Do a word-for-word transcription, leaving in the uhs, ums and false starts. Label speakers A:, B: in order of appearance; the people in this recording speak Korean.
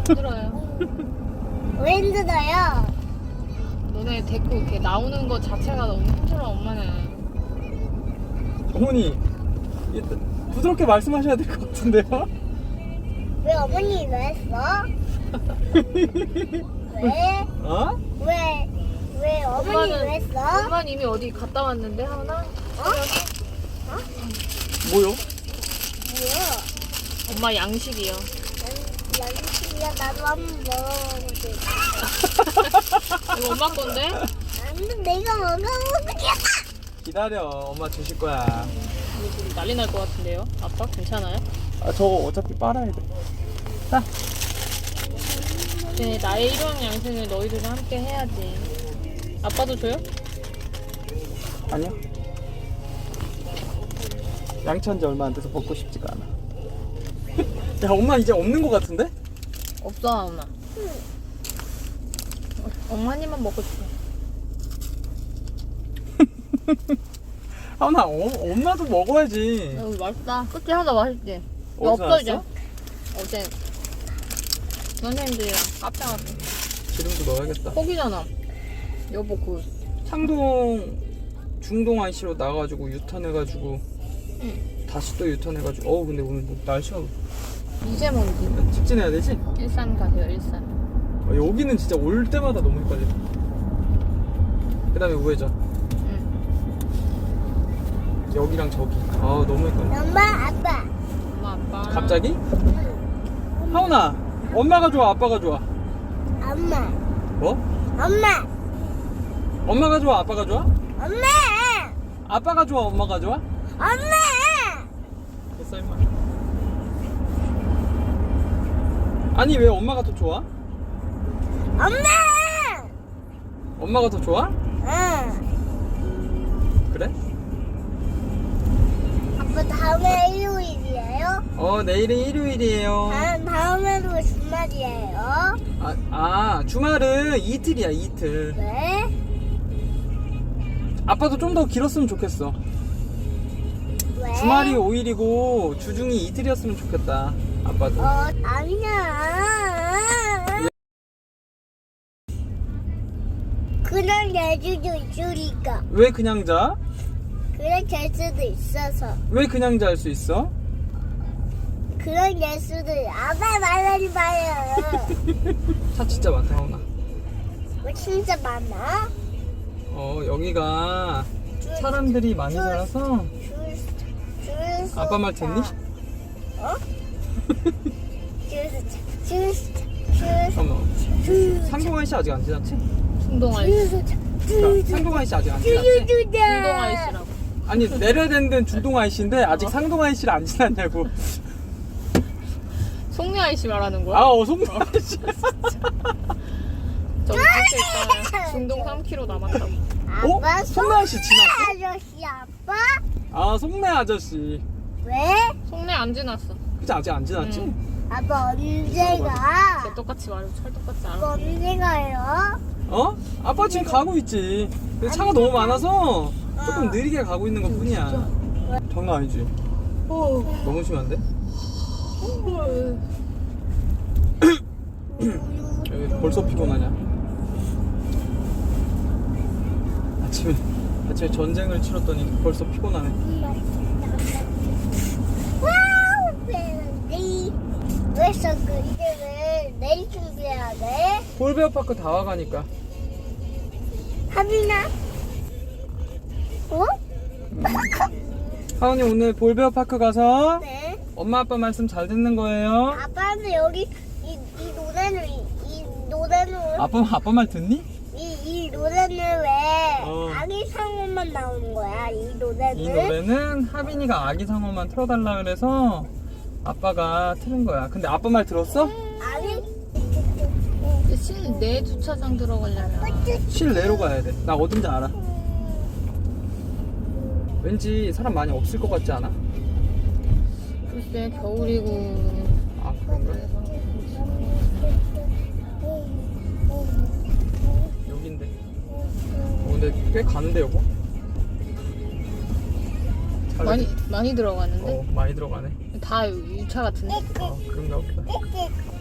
A: 힘들어요.
B: 왜 힘들어요?
A: 너네 데리고 이렇게 나오는 거 자체가 너무 힘들어, 엄마는.
C: 어머니 이- 부드럽게 말씀하셔야 될 것 같은데요?
B: 왜 어머니 왜 했어? 왜?
C: 어?
B: 왜? 왜 어머니 왜 했어?
A: 엄마는 이미 어디 갔다 왔는데, 하나?
C: 뭐요?
B: 뭐야?
A: 엄마 양식이요.
B: 양식이야 나도 한번 먹어보지.
A: 이거 엄마 건데?
B: 안돼 내가 먹어보겠다.
C: 기다려, 엄마 주실 거야.
A: 이거 지금 난리 날 것 같은데요? 아빠 괜찮아요?
C: 아, 저거 어차피 빨아야 돼. 자.
A: 네, 나의 일용 양생을 너희들과 함께 해야지. 아빠도 줘요?
C: 아니요. 양치한 지 얼마 안 돼서 먹고 싶지가 않아. 야, 엄마 이제 없는 것 같은데?
A: 없어, 엄마. 엄마 한 입만 먹고 싶어.
C: 하은아, 어, 엄마도 먹어야지.
A: 여기 맛있다. 끝이 하나 맛있지? 이거
C: 어디서
A: 없어, 이제.
C: 났어?
A: 어제 선생님들이랑 카페 갔어.
C: 기름도 넣어야겠다.
A: 거기잖아. 여보, 그.
C: 창동 중동 아이씨로 나가가지고 유턴해가지고
A: 응.
C: 다시 또 유턴해가지고 어우 근데 오늘 뭐 날씨가
A: 미세먼지.
C: 직진해야 되지?
A: 일산 가세요, 일산.
C: 어, 여기는 진짜 올 때마다 너무 헷갈려. 그 다음에 우회전
A: 응.
C: 여기랑 저기 아 너무 헷갈려.
B: 엄마 아빠.
A: 엄마, 아빠.
C: 갑자기? 하은아 엄마가 좋아 아빠가 좋아?
B: 엄마.
C: 뭐?
B: 엄마.
C: 엄마가 좋아 아빠가 좋아?
B: 엄마.
C: 아빠가 좋아 엄마가 좋아?
B: 엄마.
C: 됐어 임마. 아니 왜 엄마가 더 좋아?
B: 엄마.
C: 엄마가 더 좋아?
B: 응.
C: 그래?
B: 아빠 다음에 일요일이에요?
C: 어 내일은 일요일이에요.
B: 다음 다음에도 주말이에요?
C: 아, 아 주말은 이틀이야 이틀.
B: 왜?
C: 아빠도 좀 더 길었으면 좋겠어.
B: 왜?
C: 주말이 오 일이고 주중이 이틀이었으면 좋겠다 아빠도.
B: 어 아니야. 그냥 잘 수도 있으니까.
C: 왜 그냥 자?
B: 그냥 잘 수도 있어서.
C: 왜 그냥 잘 수 있어?
B: 그런 잘 수도 있- 아빠 말하지 마요.
C: 차 진짜 많다 하은아.
B: 뭐 진짜 많아?
C: 어 여기가
B: 줄-
C: 사람들이 많이
B: 줄-
C: 살아서.
B: 줄, 줄 서-
C: 아빠 말 듣니?
B: 어? 줄, 서- 줄, 서- 줄, 서-
C: 어머
B: 줄, 서-
C: 상동아이 씨 아직 안 지났지?
A: 충동아이
B: 줄,
A: 씨.
B: 서-
C: 그러니까
B: 줄, 서-
C: 상동아이 씨 아직 안
B: 줄,
C: 지났지?
B: 줄,
A: 충동아이 씨라고.
C: 아니 내려야 되는 데는 중동아이 씨인데 아직 상동아이 씨를 안 지났냐고.
A: 송미 아이씨 말하는 거야?
C: 아 어 송동아이 씨.
A: 저기 밖에 있잖아. 중동 삼 킬로미터 남았다고.
B: 아빠
C: 어? 송매 아저씨 지났어?
B: 아저씨 아빠?
C: 아 송매 아저씨.
B: 왜?
A: 송내 안 지났어.
C: 그치 아직 안 지났지?
A: 응.
B: 아빠 언제
A: 걔
B: 가?
A: 똑같이 말고 찰떡같이
B: 아빠
A: 알아.
B: 언제 가요?
C: 어? 아빠 지금 가고 있지. 근데 차가 너무 많아서 조금 느리게 가고 있는 것 뿐이야. 장난 아니지?
B: 어.
C: 너무 심한데? 여기 벌써 피곤하냐? 아침에 아침에 전쟁을 치렀더니 벌써 피곤하네.
B: 와우 벨리 왜 자꾸 이제 왜 내일 준비해야 돼?
C: 볼베어파크 다 와가니까.
B: 하빈아 어?
C: 하은이 오늘 볼베어파크 가서
B: 네
C: 엄마 아빠 말씀 잘 듣는 거예요.
B: 아빠는 여기 이, 이 노래는 이, 이 노래는
C: 아빠 아빠 말 듣니?
B: 이, 이 노래는 왜
C: 어.
B: 아기 상어만 나오는 거야 이 노래는?
C: 이 노래는 하빈이가 아기 상어만 틀어달라 그래서 아빠가 틀은 거야. 근데 아빠 말 들었어?
B: 아니
A: 실내 주차장 들어가려면
C: 실내로 가야 돼. 나 어딘지 알아. 왠지 사람 많이 없을 것 같지 않아?
A: 글쎄 겨울이고.
C: 아 그런가? 여긴데. 어, 근데 꽤 가는데 여보? 잘
A: 많이 많이 들어가는데
C: 어 많이 들어가네.
A: 다 유차 같은데.
C: 어 그런가 보다.